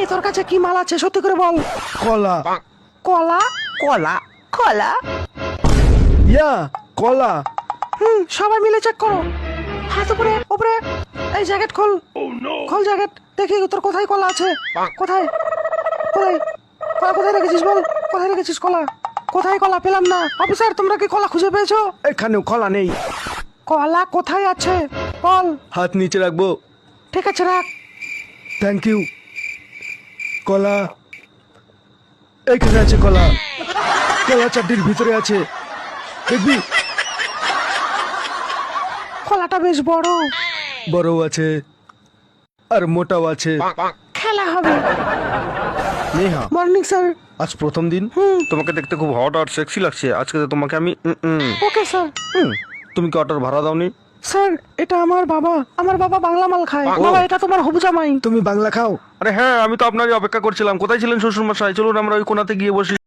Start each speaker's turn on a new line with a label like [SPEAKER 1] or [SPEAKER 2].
[SPEAKER 1] তোর কাছে কি মাল আছে সত্যি করে বল।
[SPEAKER 2] কলা।
[SPEAKER 1] কলা?
[SPEAKER 3] কলা কলা
[SPEAKER 2] ইয়া কলা।
[SPEAKER 1] সবাই মিলে চেক করো। হাত উপরে উপরে। এই জ্যাকেট খোল। খোল জ্যাকেট, দেখি তোর কোথায় কলা আছে। কোথায় কোথায় কলা কোথায় রেখেছিস বল। কোথায় রেখেছিস কলা? কোথায় কলা? পেলাম না। অফিসার, তোমরা কি কলা খুঁজে পেয়েছো?
[SPEAKER 2] এখানেও কলা নেই।
[SPEAKER 1] কলা কোথায় আছে বল।
[SPEAKER 2] হাত নিচে রাখবো।
[SPEAKER 1] ঠিক আছে, রাখ।
[SPEAKER 2] Thank you. কলা এখানে আছে। কলা কলা চারটির ভিতরে আছে, দেখবি?
[SPEAKER 1] কলাটা বেশ বড়।
[SPEAKER 2] বড়ও আছে আর মোটাও আছে।
[SPEAKER 1] খেলা হবে।
[SPEAKER 2] Neha,
[SPEAKER 1] morning sir.
[SPEAKER 2] আজ প্রথম দিন। তোমাকে দেখতে খুব হট আর সেক্সি লাগছে। আজকে তো তোমাকে আমি
[SPEAKER 1] ওকে স্যার।
[SPEAKER 2] তুমি কি অটোর ভাড়া দাওনি?
[SPEAKER 1] স্যার, এটা আমার বাবা। আমার বাবা বাংলা মাল খায়। বাবা, এটা তোমার হবু জামাই।
[SPEAKER 2] তুমি বাংলা খাও?
[SPEAKER 4] আরে হ্যাঁ, আমি তো আপনারই অপেক্ষা করছিলাম। কোথায় ছিলেন শ্বশুর মশাই? চলুন আমরা ওই কোনাতে গিয়ে বসি।